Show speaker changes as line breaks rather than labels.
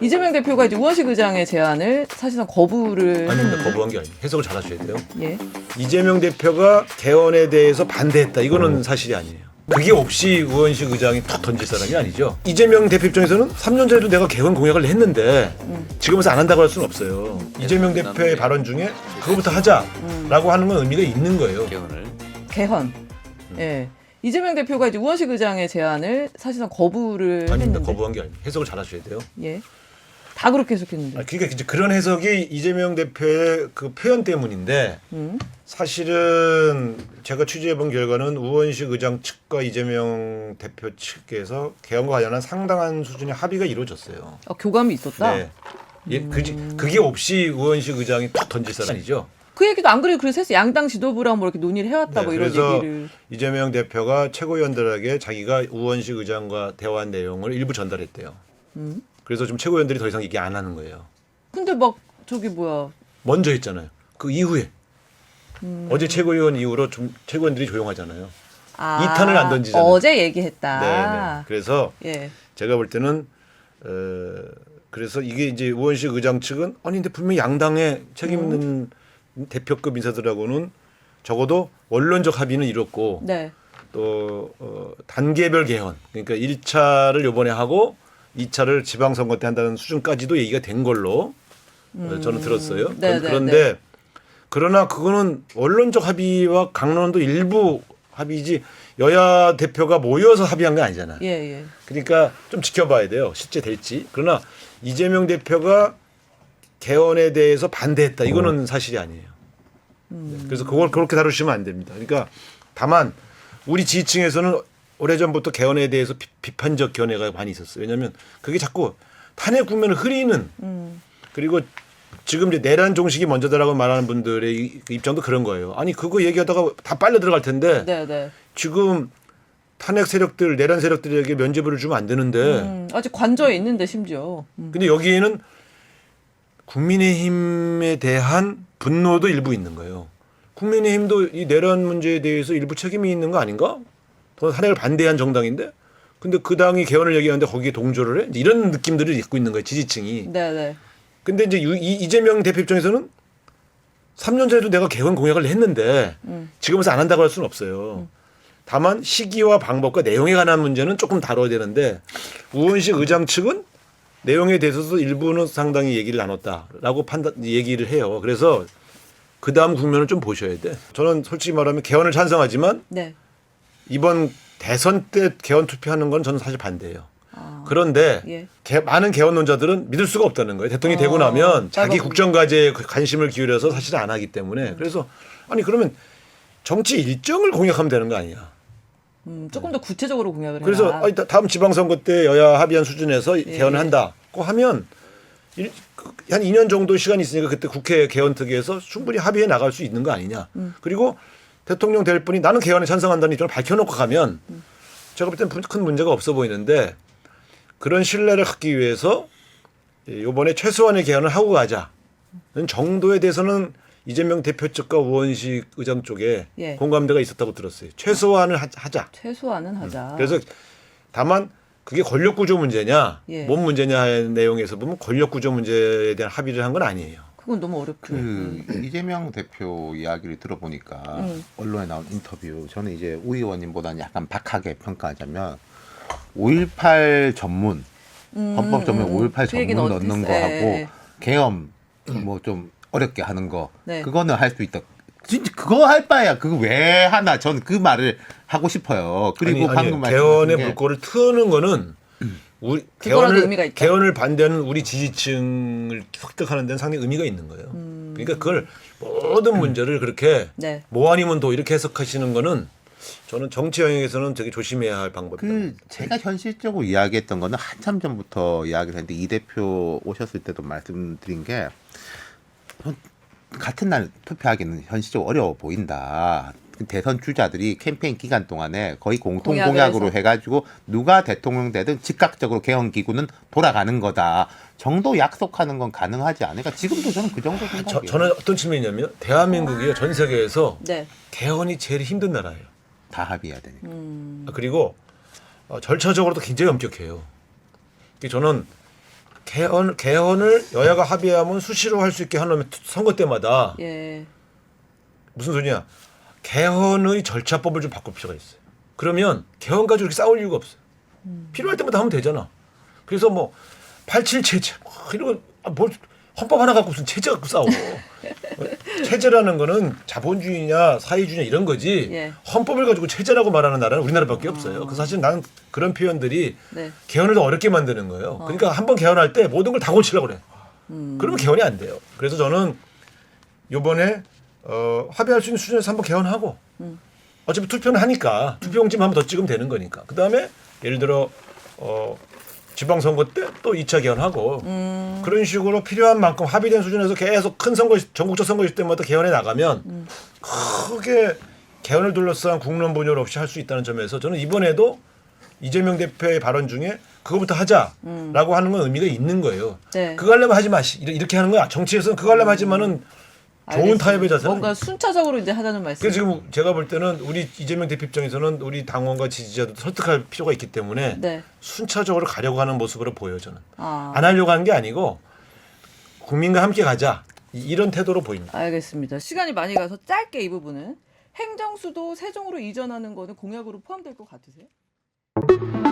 이재명 대표가 이제 우원식 의장의 제안을 사실상 거부를
아닙니다.
했는데.
거부한 게 아니에요. 해석을 잘 하셔야 돼요.
예.
이재명 대표가 개헌에 대해서 반대했다. 이거는 사실이 아니에요. 그게 없이 우원식 의장이 툭 던질 사람이 아니죠. 이재명 대표 입장에서는 3년 전에도 내가 개헌 공약을 했는데 지금에서 안 한다고 할 수는 없어요. 이재명 대표의 발언 중에 그거부터 하자라고 하는 건 의미가 있는 거예요.
개헌. 예. 이재명 대표가 이제 우원식 의장의 제안을 사실상 거부를
아닙니다.
했는데.
거부한 게 아니에요. 해석을 잘 하셔야 돼요.
예. 다 그렇게 해석했는데.
그러니까 이제 그런 해석이 이재명 대표의 그 표현 때문인데 사실은 제가 취재해본 결과는 우원식 의장 측과 이재명 대표 측에서 개헌과 관련한 상당한 수준의 합의가 이루어졌어요.
교감이 있었다.
네. 예, 그게 없이 우원식 의장이 툭 던질 사람 아니죠.
그 얘기도 안 그래도 그래서 했어. 양당 지도부랑 뭐 이렇게 논의를 해왔다
네,
뭐 이런
그래서
얘기를.
이재명 대표가 최고위원들에게 자기가 우원식 의장과 대화한 내용을 일부 전달했대요. 그래서 좀 최고위원들이 더 이상 얘기 안 하는 거예요.
근데 막 저기 뭐야.
먼저 했잖아요. 그 이후에 어제 최고위원 이후로 좀 최고위원들이 조용하잖아요. 이 탄을 안 던지잖아요.
어제 얘기했다.
네. 그래서
예.
제가 볼 때는 그래서 이게 이제 우원식 의장 측은 아니 근데 분명히 양당의 책임 있는 대표급 인사들하고는 적어도 원론적 합의는 이뤘고
네.
또 단계별 개헌 그러니까 1차를 이번에 하고 2차를 지방선거 때 한다는 수준까지도 얘기가 된 걸로 저는 들었어요.
네,
그런데 그러나 그거는 원론적 합의와 강론도 일부 합의지 여야 대표가 모여서 합의한 게 아니잖아.
예, 예.
그러니까 좀 지켜봐야 돼요. 실제 될지. 그러나 이재명 대표가 개헌에 대해서 반대했다. 이거는 사실이 아니에요. 네. 그래서 그걸 그렇게 다루시면 안 됩니다. 그러니까 다만 우리 지지층에서는 오래전부터 개헌에 대해서 비판적 견해가 많이 있었어요. 왜냐하면 그게 자꾸 탄핵 국면을 흐리는 그리고 지금 이제 내란 종식이 먼저다라고 말하는 분들의 입장도 그런 거예요. 아니 그거 얘기하다가 다 빨려 들어갈 텐데
네, 네.
지금 탄핵 세력들 내란 세력들에게 면죄부를 주면 안 되는데
아직 관저에 있는데 심지어.
근데 여기에는 국민의힘에 대한 분노도 일부 있는 거예요. 국민의힘도 이 내란 문제에 대해서 일부 책임이 있는 거 아닌가? 탄핵을 반대한 정당인데 근데 그 당이 개헌을 얘기하는데 거기에 동조를 해? 이런 느낌들을 갖고 있는 거예요. 지지층이.
네, 네.
근데 이제 이재명 대표 입장에서는 3년 전에도 내가 개헌 공약을 했는데 지금은 안 한다고 할 수는 없어요. 다만 시기와 방법과 내용에 관한 문제는 조금 다뤄야 되는데 우원식 의장 측은 내용에 대해서도 일부는 상당히 얘기를 나눴다라고 얘기를 해요. 그래서 그 다음 국면을 좀 보셔야 돼. 저는 솔직히 말하면 개헌을 찬성하지만
네.
이번 대선 때 개헌 투표하는 건 저는 사실 반대예요. 그런데
예.
많은 개헌론자들은 믿을 수가 없다는 거예요. 대통령이 되고 나면 자기 국정과제에 관심을 기울여서 사실 안 하기 때문에. 그래서 아니 그러면 정치 일정을 공약하면 되는 거 아니야.
조금 더 구체적으로 공약을 해라.
그래서 아니, 다음 지방선거 때 여야 합의한 수준에서 개헌을 한다고 하면 한 2년 정도 시간이 있으니까 그때 국회 개헌특위에서 충분히 합의해 나갈 수 있는 거 아니냐. 그리고 대통령 될 분이 나는 개헌에 찬성한다는 입장을 밝혀놓고 가면 제가 볼 때는 큰 문제가 없어 보이는데 그런 신뢰를 갖기 위해서 이번에 최소한의 개헌을 하고 가자는 정도에 대해서는 이재명 대표 측과 우원식 의장 쪽에
예.
공감대가 있었다고 들었어요. 최소한을 하자.
최소한은 하자.
그래서 다만 그게 권력구조 문제냐
예.
뭔 문제냐 하는 내용에서 보면 권력구조 문제에 대한 합의를 한 건 아니에요.
그건 너무 어렵고.
이재명 대표 이야기를 들어보니까 언론에 나온 인터뷰 저는 이제 우 의원님보다는 약간 박하게 평가하자면 5.18 전문 헌법 전문 5.18
그 얘기는
전문 넣는 거
예,
하고
예.
계엄 뭐 좀 어렵게 하는 거
네.
그거는 할 수 있다. 진짜 그거 할 바에야 그거 왜 하나 전 그 말을 하고 싶어요. 그리고 방금
개헌의
게
물꼬를 트는 거는 우리
그거라도 의미가 있다.
개헌을 반대하는 우리 지지층을 획득하는 데는 상당히 의미가 있는 거예요. 그러니까 그걸 모든 문제를 그렇게
네.
뭐 아니면 도 이렇게 해석하시는 거는 저는 정치 영역에서는 되게 조심해야 할 방법이다.
제가 현실적으로 이야기했던 거는 한참 전부터 이야기를 했는데 이 대표 오셨을 때도 말씀드린 게 같은 날 투표하기는 현실적으로 어려워 보인다. 대선 주자들이 캠페인 기간 동안에 거의 공통 공약으로 해가지고 누가 대통령 되든 즉각적으로 개헌 기구는 돌아가는 거다 정도 약속하는 건 가능하지 않을까? 지금도 저는 그 정도 생각해요.
저는 어떤 측면이냐면 대한민국이 전 세계에서
네.
개헌이 제일 힘든 나라예요.
다 합의해야 되니까.
그리고 절차적으로도 굉장히 엄격해요. 저는 개헌을 여야가 합의하면 수시로 할 수 있게 하려면 선거 때마다
예.
무슨 소리냐? 개헌의 절차법을 좀 바꿀 필요가 있어요. 그러면 개헌 가지고 이렇게 싸울 이유가 없어요. 필요할 때마다 하면 되잖아. 그래서 뭐 87 체제 이런 뭘 헌법 하나 갖고 무슨 체제 갖고 싸워. 체제라는 거는 자본주의냐 사회주의냐 이런 거지.
예.
헌법을 가지고 체제라고 말하는 나라는 우리나라밖에 없어요. 그 사실 나는 그런 표현들이
네.
개헌을 더 어렵게 만드는 거예요. 그러니까 한번 개헌할 때 모든 걸 다 고치려고 그래. 그러면 개헌이 안 돼요. 그래서 저는 이번에 합의할 수 있는 수준에서 한번 개헌하고 어차피 투표는 하니까 투표용지만 한번 더 찍으면 되는 거니까. 그다음에 예를 들어 지방선거 때 또 2차 개헌하고 그런 식으로 필요한 만큼 합의된 수준에서 계속 큰 선거 전국적 선거 있을 때마다 개헌해 나가면 크게 개헌을 둘러싼 국론 분열 없이 할 수 있다는 점에서 저는 이번에도 이재명 대표의 발언 중에 그거부터 하자라고 하는 건 의미가 있는 거예요.
네.
그거 하려면 하지 마시 이렇게 하는 거야. 정치에서는 그거 하려면 하지만은 좋은
알겠습니다.
타협의 자세.
뭔가 순차적으로 이제 하자는 말씀.
그래서 지금 제가 볼 때는 우리 이재명 대표 입장에서는 우리 당원과 지지자도 설득할 필요가 있기 때문에
네.
순차적으로 가려고 하는 모습으로 보여요. 저는
아.
안 하려고 하는 게 아니고 국민과 함께 가자 이런 태도로 보입니다.
알겠습니다. 시간이 많이 가서 짧게 이 부분은 행정수도 세종으로 이전하는 거는 공약으로 포함될 것 같으세요?